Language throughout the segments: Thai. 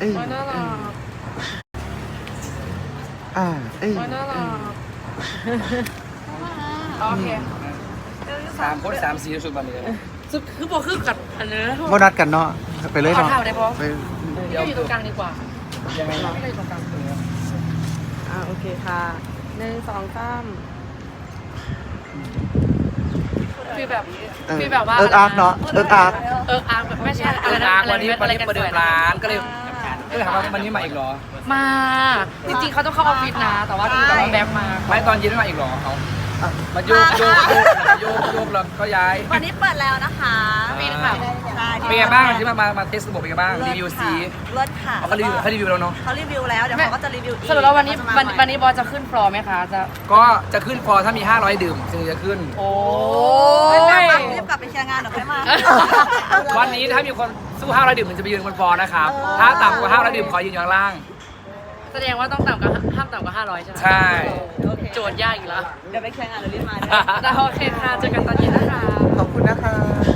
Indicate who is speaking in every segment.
Speaker 1: น่ารักน่ารักโอเค
Speaker 2: 3 คน 3 สีสุดวันนี้
Speaker 1: สุดคือบอกคือกัดอันนี้นะ
Speaker 3: โมนัดกันเนาะไปเลย
Speaker 1: ขอ
Speaker 3: เนาะ
Speaker 1: เท่าได้พอ
Speaker 3: ไป
Speaker 1: พี่ก็อยู่ตรงกลางดีกว่า
Speaker 2: ยังไง
Speaker 1: พี่ก็อยู่ตรงกลางโอเคค่ะ1 2 3ฟีลแบบว่า
Speaker 3: อาร์กเนาะอาร์ก
Speaker 1: แบบไม่ใช่อะไรนะ
Speaker 2: วันนี้ประเดิมร้านก็เลยถามว่าวันนี้มาอีกเหรอ
Speaker 1: มาจริงๆเขาต้องเข้าออฟฟิศนะแต่ว่าแบ็คมา
Speaker 2: ไม่ตอนเย็นไม่มาอีกเหรอเขามาโยกแล้วก็ย้าย
Speaker 4: วันนี้เปิดแล้วนะคะ
Speaker 1: ปีนค่ะ
Speaker 2: เป็นไงบ้างที่มาเทสระบบเป็นไงบ้างรีวิวซี
Speaker 4: เลิศค่ะ
Speaker 2: เขารีวิวแล้วเนาะ
Speaker 4: เขารีวิวแล้วเดี๋ยวเขาก็จะรีวิวอีก
Speaker 1: สรุปแล้ววันนี้บอลจะขึ้นฟลอร์ไหมคะ
Speaker 2: ก็จะขึ้นฟอร์ถ้ามี500ดื่มถึงจะขึ้น
Speaker 1: โอ้
Speaker 4: ยรีบกลับไปเคลียร์งานเดี๋ยวค่อยมา
Speaker 2: วันนี้ถ้ามีคนสู้500ดื่มมันจะไปยืนบนฟอร์นะครับถ้าต่ำกว่า500ดื่มขอยืนอยู่ข้างล่าง
Speaker 1: แสดงว่าต้องห้ามต่ำกว่า500ใช่ไหม
Speaker 2: ใช่
Speaker 1: โจทย์ยากอีกแล้ว
Speaker 4: เดี๋ยวไปเคลียร์งานเดี๋ยวรีบมา
Speaker 1: ได้โอเคค่ะเจอกันตอนเย็นนะคะ
Speaker 3: ขอบคุณนะคะ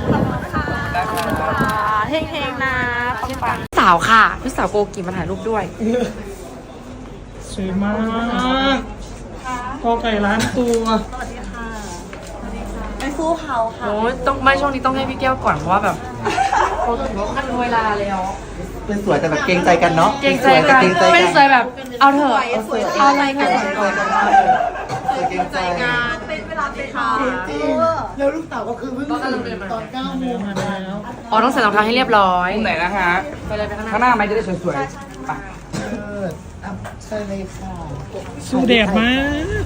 Speaker 4: เฮงๆนะ
Speaker 1: ปังสาวค่ะพี่สาวโกกิมาถ่ายรูปด้วย
Speaker 3: สวยมากกอไก่ล้านตัว
Speaker 4: สวัสดีค่ะเป็นฟูเฮาค่ะ
Speaker 1: โอ้ยต้องไม่ช่วงนี้ต้องให้พี่แก้วก่อนเพราะว่าแบบโกกิขั้นเวลาแล้ว
Speaker 3: เป็นสวยแต่แบบเกรงใจกันเนาะ
Speaker 1: เกรงใจกันเป็นสวยแบบเอาเถอะเอาอะไรกัน
Speaker 3: เกรงใจกัน
Speaker 4: เป็นเวลาเป็นค่ะ
Speaker 3: แล้วลูกเต่าก็คือเพิ่งตื่นตอน9 โมงมาแล้ว
Speaker 1: อ๋อต้องใส่รองเท้าให้เรียบร้อย
Speaker 2: ไหนนะฮะ
Speaker 1: ไปเลยไปข้างหน้า
Speaker 2: ข้างหน้าไหมจะได้สวยๆไป
Speaker 3: ใช่เลยค่ะ
Speaker 5: สู้แดดมาก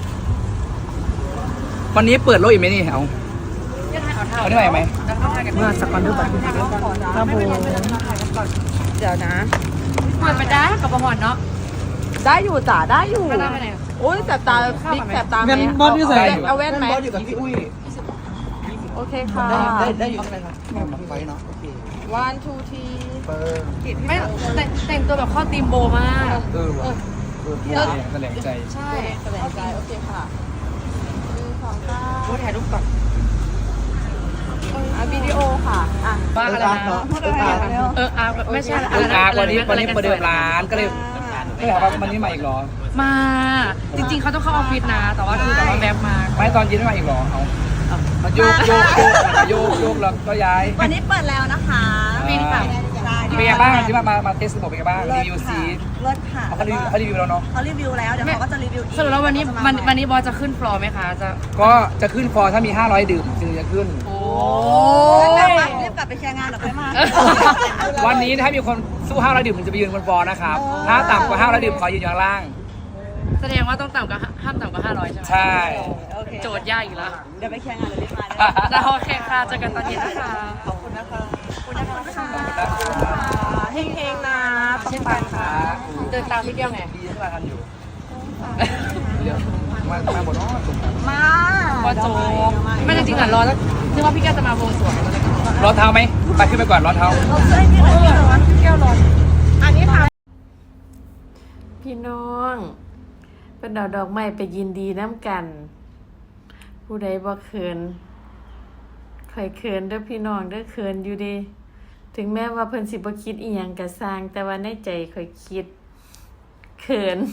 Speaker 2: วันนี้เปิดโลกอีกไหมนี่เอาเอาได้ไหม
Speaker 1: เมื่อสักวันดูบัตรครับผมเดี๋ยวนะเปิดไปได้กับบอลเนาะ
Speaker 4: ได้อยู่จ้ะได้อยู่
Speaker 1: ก็ได้ไปไหน
Speaker 4: โอ้ยแสบตาบิ๊กแสบตาไหม
Speaker 5: งั้นบอลที่ใส่
Speaker 4: เอาแว่นไหม
Speaker 3: บอสอยู่กับพี่อุ้ย
Speaker 4: โอเคค่ะ
Speaker 3: ได้อยู่ไฟเนาะโอเค
Speaker 4: 1 2 3
Speaker 3: เปิด
Speaker 1: ไม่แต่งตัวแบบเข้าทีมโบมาก
Speaker 2: แสดงใจ
Speaker 1: ใช่
Speaker 4: แสดงใจโอเคค่ะ1 2 3
Speaker 1: พูดถ่ายรูปก่อน
Speaker 4: วิดีโอค่ะอ่ะ
Speaker 1: ว่าอะไรนะไม่ใช่อะไรนะ
Speaker 2: วันนี้ประเดิมร้านก็เลยถามว่าวันนี้มาอีกเหรอ
Speaker 1: มาจริงๆเขาต้องเข้าออฟฟิศนะแต่ว่าแบ็คมา
Speaker 2: ไม่ตอนเย็นไม่มาอีกเหรอเขามาโยกแล้วก็ย้าย
Speaker 4: วันนี้เปิดแล้วนะคะ
Speaker 1: ปีนค่ะ
Speaker 2: เป็นไงบ้างที่มาเทสระบบเป็นไงบ้างรีวิวซี
Speaker 4: เลิศค่ะ
Speaker 2: เขารีวิวแล้วเนาะ
Speaker 4: เขารีวิวแล้วเดี๋ยวเขาก็จะรีวิวอีก
Speaker 1: สรุปแล้ววันนี้บอลจะขึ้นฟลอร์ไหมคะ
Speaker 2: ก็จะขึ้นฟอร์ถ้ามี500ดื่มถึงจะขึ้น
Speaker 1: โอ้
Speaker 4: รีบกลับไปเคลียร์งานเดี๋ยวค่อยมา
Speaker 2: วันนี้ถ้ามีคนสู้500ดื่มมันจะไปยืนบนฟอร์นะครับถ้าต่ำกว่า500ดื่มขอยืนอยู่ข้างล่าง
Speaker 1: แสดงว่าต้องห้ามต่ำกว่า500ใช่ไหม
Speaker 2: ใช่
Speaker 1: โจทย์ยากอีกแล้ว
Speaker 4: เดี๋ยวไปเคลียร์งานเดี๋ยวรีบมา
Speaker 1: ได้โอเคค่ะเจอกันตอนเย็นนะคะ
Speaker 4: ขอบคุณนะคะเฮงๆนะ
Speaker 1: เช่นกันค่ะเดินตามพี่แก้วไง
Speaker 2: ดีที่มากันอยู่เดี๋ยวมาบนน้องตรงกัน
Speaker 4: มา
Speaker 1: บอลโจไม่จริงๆอ่ะรอแล้วนึกว่าพี่แก้วจะมาวงสวน
Speaker 2: รองเท้าไหมไปขึ้นไปก่อนรองเท้า
Speaker 4: เราช่วยพี่หน่อยพี่ร้อนพี่แก้วร้อนอันนี้ค่ะ
Speaker 6: พี่น้องเป็นดอกไม้ไปยินดีน้ำกัน ผู้ใดบ่เขินข่อยเขินเด้อพี่น้องเด้อเขินอยู่ดีถึงแม้ว่าเพิ่นสิบ่คิดอีหยังก็สร้างแต่ว่าในใจข่อยคิดเขิน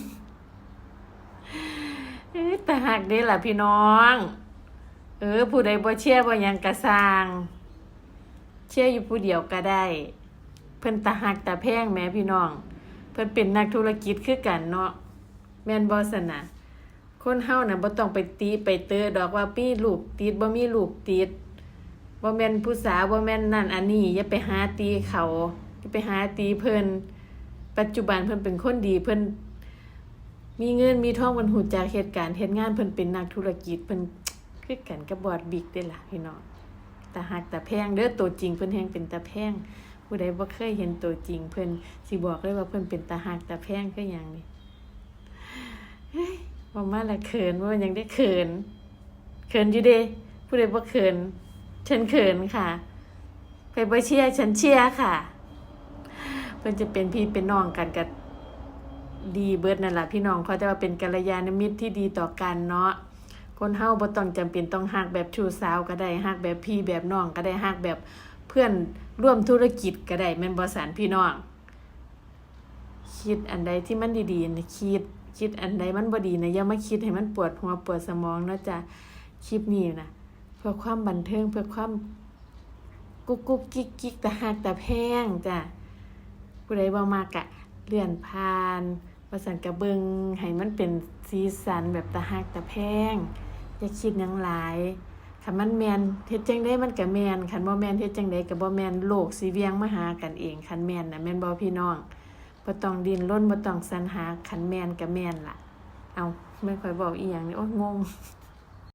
Speaker 6: แต่หักเด้ล่ะพี่น้องผู้ใดบ่เชื่อบ่หยังก็สร้างเชื่ออยู่ผู้เดียวก็ได้เพิ่นตาหักตาแพงแหมพี่น้องเพิ่นเป็นนักธุรกิจคือกันเนาะแม่นบ่ซั่นน่ะคนเฮาน่ะบ่ต้องไปตีไปเตอดอกว่ามีลูกติดบ่มีลูกติดบ่แม่นผู้สาวบ่แม่นนั่นอันนี้อย่าไปหาตีเขาอย่าไปหาตีเพิ่นปัจจุบันเพิ่นเป็นคนดีเพิ่นมีเงินมีทองเพิ่นฮู้จักเหตุการณ์เฮ็ดงานเพิ่นเป็นนักธุรกิจเพิ่นคือกันกับบอดบิ๊กเด้ล่ะพี่น้องตาหักตาแพงเด้อตัวจริงเพิ่นแฮงเป็นตาแพงผู้ใดบ่เคยเห็นตัวจริงเพิ่นสิบอกเลยว่าเพิ่นเป็นตาหักตาแพงคือหยังนี่เฮ้ยว่ามาละเขินว่ายังได้เขินอยู่เด้ผู้ใดบ่เขินฉันเขินค่ะใครบ่เชียร์ฉันเชียร์ค่ะเพิ่นจะเป็นพี่เป็นน้องกันกับดีเบิดนั่นล่ะพี่น้องเขาแต่ว่าเป็นกัลยาณมิตรที่ดีต่อกันเนาะคนเฮาบ่ต้องจำเป็นต้องฮักแบบชู้สาวก็ได้ฮักแบบพี่แบบน้องก็ได้ฮักแบบเพื่อนร่วมธุรกิจก็ได้แม่นบ่สันพี่น้องคิดอันใดที่มันดีๆนะคิดอันใดมันบ่ดีนะอย่ามาคิดให้มันปวดหัวปวดสมองเนาะจ้ะคลิปนี้นะเพื่อความบันเทิงเพื่อความกุ๊กกุ๊กกิ๊กกิ๊กตะหักตะแพงจ้ะผู้ใดบ่มักอะเลื่อนผ่านว่าซั่นก็เบิ่งให้มันเป็นสีสันแบบตะหักตะแพงอย่าคิดหยังหลายคันมันแม่นเฮ็ดจังได๋มันก็แม่นคันบ่แม่นเฮ็ดจังได๋ก็บ่แม่นโลกสิเวียงมาหากันเองคันแม่นน่ะแม่นบ่พี่น้องบ่ต้องดิ้นรนบ่ต้องสรรหาคันแม่นก็แม่นล่ะเอาแม่นค่อยบอกอีหยังนี่โอ๊ยงง